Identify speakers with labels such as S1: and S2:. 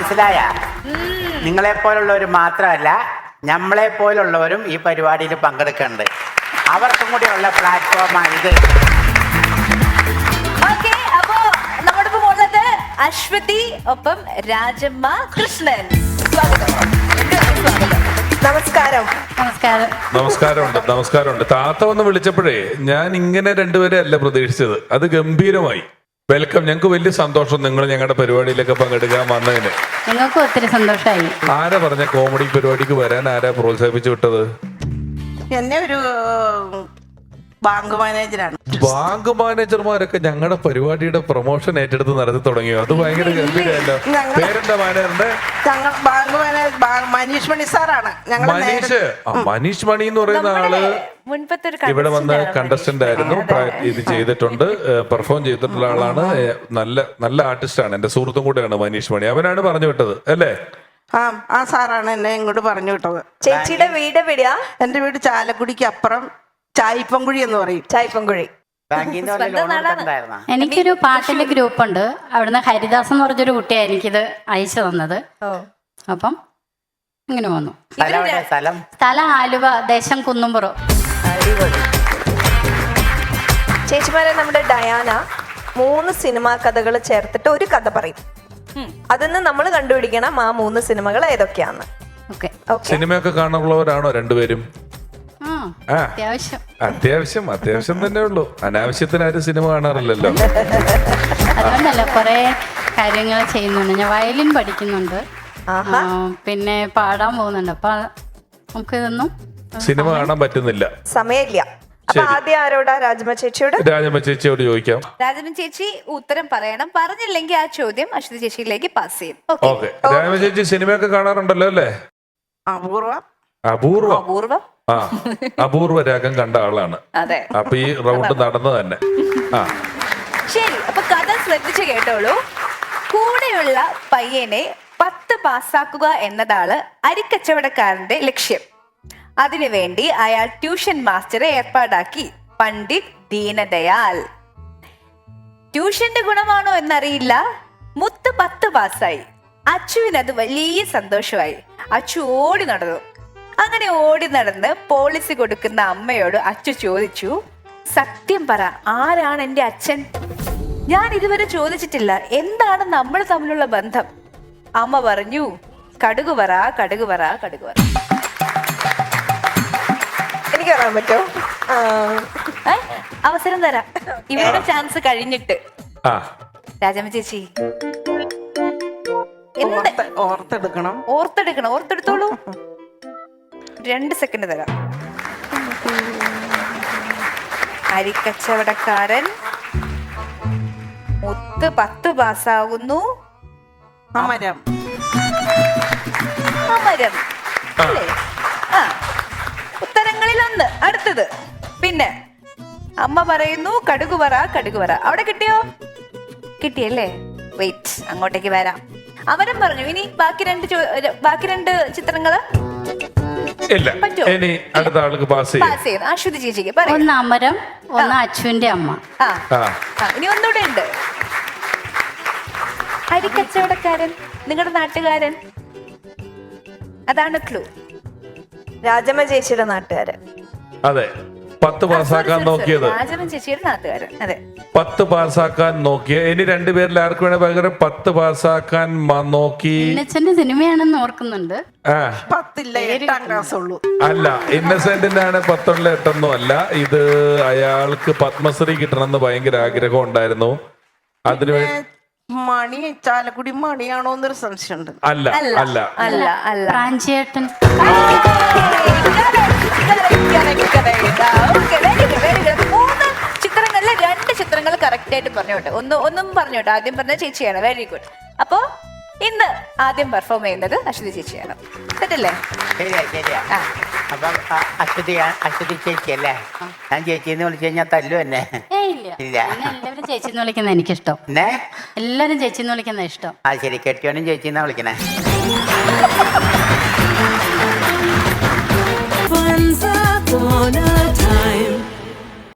S1: മനസ്സിലായ? നിങ്ങളെ പോലുള്ളവർ മാത്രമല്ല, നമ്മളെ പോലുള്ളവരും ഈ പരിപാടിയിൽ പങ്കെടുക്കുന്നുണ്ട്. അവർക്കും കൂടി ഉള്ള പ്ലാറ്റ്ഫോമാണ് ഇത്.
S2: അപ്പോ നമ്മുടെ ഉള്ളത് അശ്വതി ഒപ്പം രാജമ്മ കൃഷ്ണൻ. നമസ്കാരം.
S3: നമസ്കാരമുണ്ട്. താത്ത വന്ന് വിളിച്ചപ്പോഴേ ഞാൻ ഇങ്ങനെ രണ്ടുപേരെ അല്ല പ്രതീക്ഷിച്ചത്. അത് ഗംഭീരമായി. വെൽക്കം. ഞങ്ങൾക്ക് വലിയ സന്തോഷം നിങ്ങൾ ഞങ്ങളുടെ പരിപാടിയിലൊക്കെ പങ്കെടുക്കാൻ വന്നതിന്.
S4: ഞങ്ങൾക്ക് ഒത്തിരി സന്തോഷമായി.
S3: ആരാ പറഞ്ഞ കോമഡി പരിപാടിക്ക് വരാൻ? ആരാ പ്രോത്സാഹിപ്പിച്ചു വിട്ടത്?
S5: എന്നെ ഒരു ബാങ്ക് മാനേജറാണ്.
S3: ബാങ്ക് മാനേജർമാരൊക്കെ ഞങ്ങളുടെ പരിപാടിയുടെ പ്രൊമോഷൻ ഏറ്റെടുത്ത് നടത്തി തുടങ്ങിയോ? അത് ഭയങ്കര ഗംഭീരമല്ലോ. പേരെന്താ മാനേജറിന്റെ?
S5: ബാങ്ക് മാനേജർ മനീഷ് മണി സാറാണ്.
S3: മനീഷ് മണി എന്ന് പറയുന്ന ആള് ഇവിടെ വന്ന് കണ്ടസ്റ്റന്റ് ആയിരുന്നു. ഇത് ചെയ്തിട്ടുണ്ട്, പെർഫോം ചെയ്തിട്ടുള്ള ആളാണ്. നല്ല ആർട്ടിസ്റ്റാണ്. എന്റെ സുഹൃത്തും കൂടെയാണ് മനീഷ് മണി. അവനാണ് പറഞ്ഞു വിട്ടത് അല്ലേ?
S5: ആ സാറാണ് എന്നെ ഇങ്ങോട്ട് പറഞ്ഞു വിട്ടത്.
S2: ചേച്ചിയുടെ വീട് എവിടെയാ?
S5: എന്റെ വീട് ചാലക്കുടിക്ക് അപ്പുറം ചായിപ്പൻകുഴി എന്ന് പറയും.
S2: ചായിപ്പൻകുഴി.
S4: എനിക്കൊരു പാട്ടിന്റെ ഗ്രൂപ്പ് ഉണ്ട്. അവിടുന്ന് ഹരിദാസ് എന്ന് പറഞ്ഞൊരു കുട്ടിയാണ് എനിക്കിത് അയച്ചു തന്നത്. അപ്പം ഇങ്ങനെ വന്നു. സ്ഥലം ആലുവ, ദേശം കുന്നുംപുറം.
S2: ചേച്ചിമാരെ, നമ്മുടെ ഡയാന 3 സിനിമാ കഥകൾ ചേർത്തിട്ട് ഒരു കഥ പറയും. അതിന്ന് നമ്മൾ കണ്ടുപിടിക്കണം ആ 3 സിനിമകൾ ഏതൊക്കെയാന്ന്.
S3: സിനിമയൊക്കെ കാണാനുള്ളവരാണോ രണ്ടുപേരും? അത്യാവശ്യം തന്നെ ഉള്ളൂ. അനാവശ്യത്തിനാരും സിനിമ കാണാറില്ലല്ലോ.
S4: അതുകൊണ്ടല്ല, കുറെ കാര്യങ്ങൾ ചെയ്യുന്നുണ്ട്. ഞാൻ വയലിൻ പഠിക്കുന്നുണ്ട്, പിന്നെ പാടാൻ പോകുന്നുണ്ട്. അപ്പൊ നമുക്ക് ഇതൊന്നും
S3: സിനിമ കാണാൻ പറ്റുന്നില്ല, സമയമില്ല.
S2: ആദ്യം ആരോടാ? രാജമ്മ ചേച്ചിയോട്.
S3: രാജമ്മ ചേച്ചിയോട് ചോദിക്കാം.
S2: രാജമ്മ ചേച്ചി ഉത്തരം പറയണം. പറഞ്ഞില്ലെങ്കിൽ ആ ചോദ്യം അശ്വതി ചേച്ചിയിലേക്ക് പാസ് ചെയ്യും.
S3: ഓക്കെ. രാജമ്മ ചേച്ചി സിനിമയൊക്കെ കാണാറുണ്ടല്ലോ അല്ലേ? അപൂർവം. അപൂർവ രാഗം കണ്ട ആളാണ്.
S2: അതെ.
S3: അപ്പൊ ഈ റൗണ്ട് നടന്നു തന്നെ.
S2: ശരി, അപ്പൊ കഥ ശ്രദ്ധിച്ചു കേട്ടോളൂ. കൂടെയുള്ള പയ്യനെ 10 പാസ്സാക്കുക എന്നതാണ് അരിക്കച്ചവടക്കാരന്റെ ലക്ഷ്യം. അതിനുവേണ്ടി അയാൾ ട്യൂഷൻ മാസ്റ്ററെ ഏർപ്പാടാക്കി, പണ്ഡിറ്റ് ദീനദയാൽ. ട്യൂഷന്റെ ഗുണമാണോ എന്നറിയില്ല, മുത്ത് 10 പാസ്സായി. അച്ചുവിനത് വലിയ സന്തോഷമായി. അച്ചു ഓടി നടന്നു. അങ്ങനെ ഓടി നടന്ന് പോളിസി കൊടുക്കുന്ന അമ്മയോട് അച്ചു ചോദിച്ചു, സത്യം പറ, ആരാണ് എന്റെ അച്ഛൻ? ഞാൻ ഇതുവരെ ചോദിച്ചിട്ടില്ല. എന്താണ് നമ്മൾ തമ്മിലുള്ള ബന്ധം? അമ്മ പറഞ്ഞു, കടുക് പറ, കടുക് പറ, കടുക് പറ. എനിക്ക് പറയാൻ പറ്റോ? അവസരം തരാം. ഇവരുടെ ചാൻസ് കഴിഞ്ഞിട്ട്. രാജമ്മ ചേച്ചി ഓർത്തെടുത്തോളൂ. 2 സെക്കൻഡ് തരാം. അരിക്കച്ചവടക്കാരൻ, മുത്ത് 10 പാസ്സാകുന്നു. അമരം അല്ലേ? ഉത്തരങ്ങളിൽ 1. അടുത്തത്. പിന്നെ അമ്മ പറയുന്നു, കടുക് പറ, കടുക് പറ. അവിടെ കിട്ടിയോ? കിട്ടിയല്ലേ? വെയിറ്റ്, അങ്ങോട്ടേക്ക് വരാം. അവരും പറഞ്ഞു. ഇനി ബാക്കി 2 ചിത്രങ്ങള്
S3: ഇനി അടുത്ത ആൾക്ക് പാസ് ചെയ്യും.
S2: അശ്വതി ചേച്ചിക്ക്
S4: ഒന്ന് അമരം, ഒന്ന് അച്ചുവിന്റെ അമ്മ.
S2: ഇനി ഒന്നുകൂടെ ഉണ്ട്. അരിക്കച്ചവടക്കാരൻ, നിങ്ങളുടെ നാട്ടുകാരൻ. അതാണ് ക്ലൂ. രാജമ്മ ചേച്ചിയുടെ നാട്ടുകാരൻ.
S3: അതെ. 10 പാസ്സാക്കാൻ നോക്കിയത്.
S2: രാജമ്മ ചേച്ചിയുടെ നാട്ടുകാരൻ. അതെ,
S3: 10 പാസ്സാക്കാൻ നോക്കിയ. ഇനി 2 പേരിൽ ആർക്ക് വേണേ പകരം 10 പാസ്സാക്കാൻ നോക്കി.
S4: സിനിമയാണെന്ന് ഓർക്കുന്നുണ്ട്.
S3: അല്ല, ഇന്നസെന്റിന്റെ ആണ് 10 8 അല്ല. ഇത് അയാൾക്ക് പത്മശ്രീ കിട്ടണമെന്ന് ഭയങ്കര ആഗ്രഹം ഉണ്ടായിരുന്നു. അതിനുവേണ്ടി
S5: മണി, ചാലക്കുടി മണിയാണോ എന്നൊരു സംശയമുണ്ട്.
S2: അല്ല.
S4: പ്രാഞ്ചേട്ടൻ.
S2: ചിത്രങ്ങളിലെ 2 ചിത്രങ്ങൾ കറക്റ്റ് ആയിട്ട് പറഞ്ഞോട്ടെ. ഒന്നും പറഞ്ഞോട്ടെ. ആദ്യം പറഞ്ഞ ചേച്ചിയാണ്. Very good. അപ്പോ ഇന്ന് ആദ്യം പെർഫോം ചെയ്യുന്നത് അശ്വതി ചേച്ചിയാണ്. സെറ്റല്ലേ?
S1: അപ്പം അശ്വതി ചേച്ചി അല്ലേ? ഞാൻ ചേച്ചിന്ന് വിളിച്ചു കഴിഞ്ഞാൽ തല്ലു തന്നെ.
S4: ഇല്ല, എല്ലാവരും ചേച്ചിന്ന് വിളിക്കുന്ന എനിക്കിഷ്ടം.
S1: എല്ലാരും
S4: ചേച്ചിന്ന് വിളിക്കുന്ന ഇഷ്ടം.
S1: ശരി, കെട്ടിയോനും ചേച്ചിന്നാ വിളിക്കണേ.